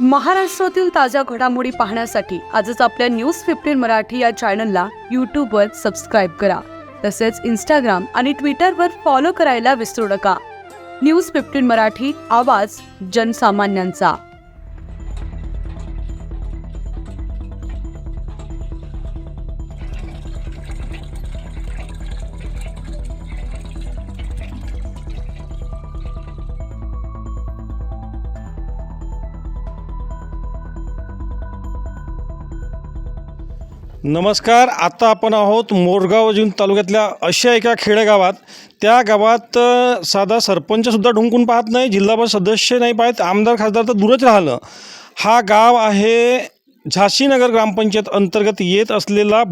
महाराष्ट्रातील ताज्या घडामोडी पाहण्यासाठी आजच आपल्या न्यूज 15 मराठी या चॅनलला यूट्यूबवर सबस्क्राईब करा. तसेच इंस्टाग्राम आणि ट्विटरवर फॉलो करायला विसरू नका. न्यूज 15 मराठी, आवाज जनसामान्यांचा. नमस्कार. आता आपण आहोत मोरगाव जिल्हा तालुक्यातल्या अशा एका खेडेगावात. त्या गावात साधा सरपंचसुद्धा ढुंकून पाहत नाही, जिल्हा परिषद सदस्य नाही पाहत, आमदार खासदार तर दूरच राहिलं. हा गाव आहे झाशीनगर ग्रामपंचायत अंतर्गत येत असलेला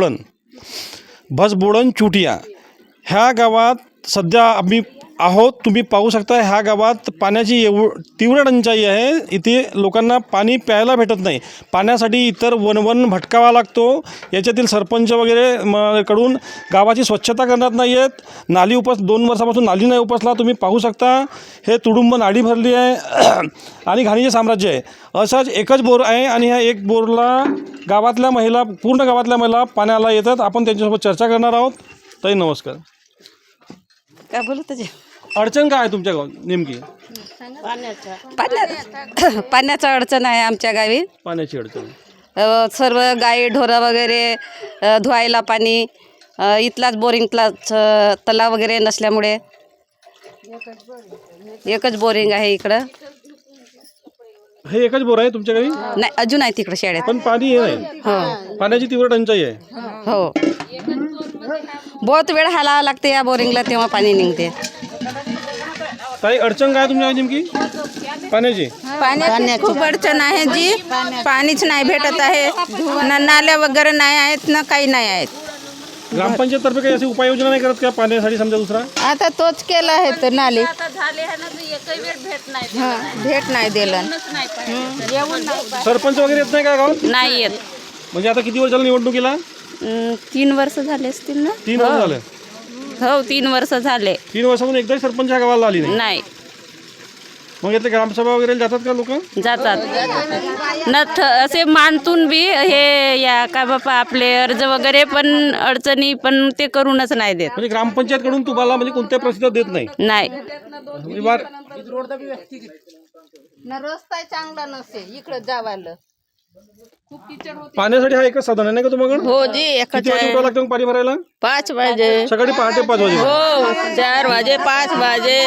भसबोडण चुटिया. ह्या गावात सध्या आम्ही आहोत. तुम्ही पाहू शकता ह्या गावात पाण्याची तीव्र टंचाई आहे. इथे लोकांना पाणी प्यायला भेटत नाही. पाण्यासाठी इतर वन भटकावा लागतो. याच्यातील सरपंच वगैरे कडून गावाची स्वच्छता करण्यात नाही आहेत. नाली 2 वर्षापासून नाली नाही उपसला. तुम्ही पाहू शकता हे तुडुंब नाडी भरली आहे आणि घाणीचे साम्राज्य आहे. असाच एकच बोर आहे आणि ह्या एक बोरला पूर्ण गावातल्या महिला पाण्याला येतात. आपण त्यांच्यासोबत चर्चा करणार आहोत. ताई नमस्कार. काय बोलू त्याचे अडचण काय आहे तुमच्या गावात नेमकी? पाण्याचा अडचण आहे आमच्या गावी. पाण्याची अडचण. सर्व गाई ढोरं वगैरे धुवायला पाणी इथलाच बोरिंगलाच तलाव वगैरे नसल्यामुळे एकच बोरिंग आहे इकडं. हे एकच बोर आहे तुमच्या गावी? नाही, अजून आहे तिकडं शाळेत. पण पाणी हे नाही. हो पाण्याची तीव्र टंचाई आहे. हो, बहुत वेळ हालावं लागते या बोरिंगला, तेव्हा पाणी निघते. काही अडचण काय तुमच्या तुमची पाण्याची? पाण्याची खूप अडचण आहे जी. पाणीच नाही भेटत आहे. ना नाल्या वगैरे नाही आहेत, ना काही नाही आहेत. ग्रामपंचायत तर्फे काही अशी उपाययोजना नाही करत का पाण्यासाठी? समजा दुसरा आता तोच केला आहे तर नाली भेट नाही दिलं. सरपंच वगैरे येत नाही का गावात? नाही येत. म्हणजे आता किती वर्ष झालं निवडणुकीला? 3 वर्ष झाले असतील ना. 3 वर्ष झाले. हो, 3 वर्ष झाले. 3 वर्षातून एकदाही सरपंच ह्या गावाला आली नाही. नाही मग इथे ग्रामसभा वगैरे जातात का लोक? जातात न असे मानतून बी हे या का बापा आपले अर्ज वगैरे पण अडचणी पण ते करूनच नाही देत. म्हणजे ग्रामपंचायत कडून तुम्हाला म्हणजे कोणत्याही प्रतिसाद देत नाही? नाही. रस्ता चांगला नसे इकडे जावायला. पाण्यासाठी हा एकच साधन आहे नाही का तुम्हाला? हो जी, एकच किती वाजे उठावं लागतं मग पाणी भरायला? 5 वाजे. सकाळी पहाटे 5 वाजे? हो, 4 वाजे 5 वाजे.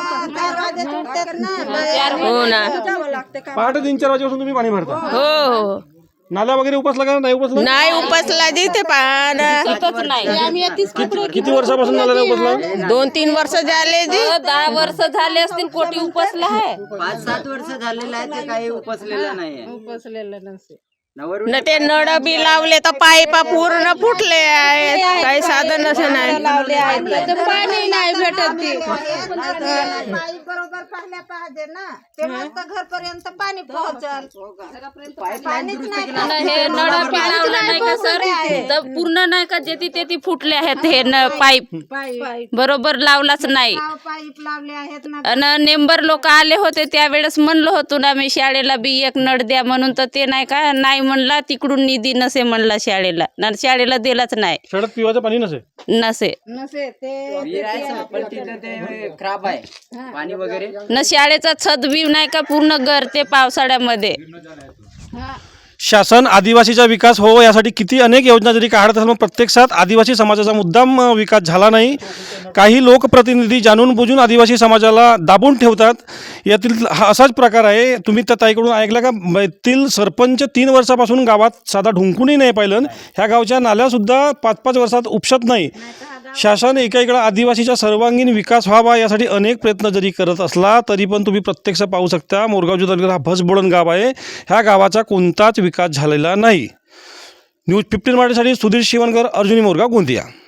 हो ना. पहाटे 3-4 वाजेपासून तुम्ही पाणी भरता? हो. नाल्या वगैरे उपसला का नाही उपसला? नाही उपसला जी ते पाणी. किती वर्षापासून नाल्या उपसला? 2-3 वर्ष झाले जी. 10 वर्ष झाले असतील. कोटी उपसला आहे. 5-7 वर्ष झालेलं आहे ते काही उपसलेलं नाहीये. न ते नळ बी लावले तर पाईपा पूर्ण फुटले आहेत. काही साधन असे नाही. पाणी नाही भेटत. बरोबर पाहिल्या पाहिजे ना, तेव्हा घरपर्यंत पाणी पोहोचल. हे नळ बी लावलं नाही का सर? तर पूर्ण नाही का जेथे तेथे फुटले आहेत. हे पाईप बरोबर लावलाच नाही. पाईप लावले आहेत ना. आणि नेंबर लोक आले होते त्यावेळेस म्हणलो होतो ना मी शाळेला बी एक नळ द्या म्हणून, तर ते नाही का नाही म्हणला. तिकडून निधी नसे म्हणला शाळेला. शाळेला दिलाच नाही. शाळेत पिवायचं पाणी नसे पण तिथे ते खराब आहे पाणी वगैरे. न शाळेचा छत बी नाही का पूर्ण गरते पावसाळ्यामध्ये. शासन आदिवासीचा विकास हो यासाठी किती अनेक योजना जरी काढत असेल, प्रत्यक्षात आदिवासी समाजाचा मुद्दाम विकास झाला नाही. काही लोकप्रतिनिधी जाणून बुजून आदिवासी समाजाला दाबून ठेवतात. यातील हा असाच प्रकार आहे. तुम्ही त्या ताईकडून ऐकला का? येथील सरपंच 3 वर्षापासून गावात साधा ढुंकूनही नाही पाहिलं. ह्या गावच्या नाल्यासुद्धा 5-5 वर्षात उपसत नाही. शासन एकीकडे आदिवासीचा सर्वांगीण विकास व्हावा यासाठी अनेक प्रयत्न जरी करत असला तरी पण तुम्ही प्रत्यक्ष पाहू शकता मोरगाव तालुक्यात हा भसबोडण गाव आहे. ह्या गावाचा कोणताच विकास झालेला नाही. न्यूज 15 मराठीसाठी सुधीर शिवणकर, अर्जुनी, मोरगाव, गोंदिया.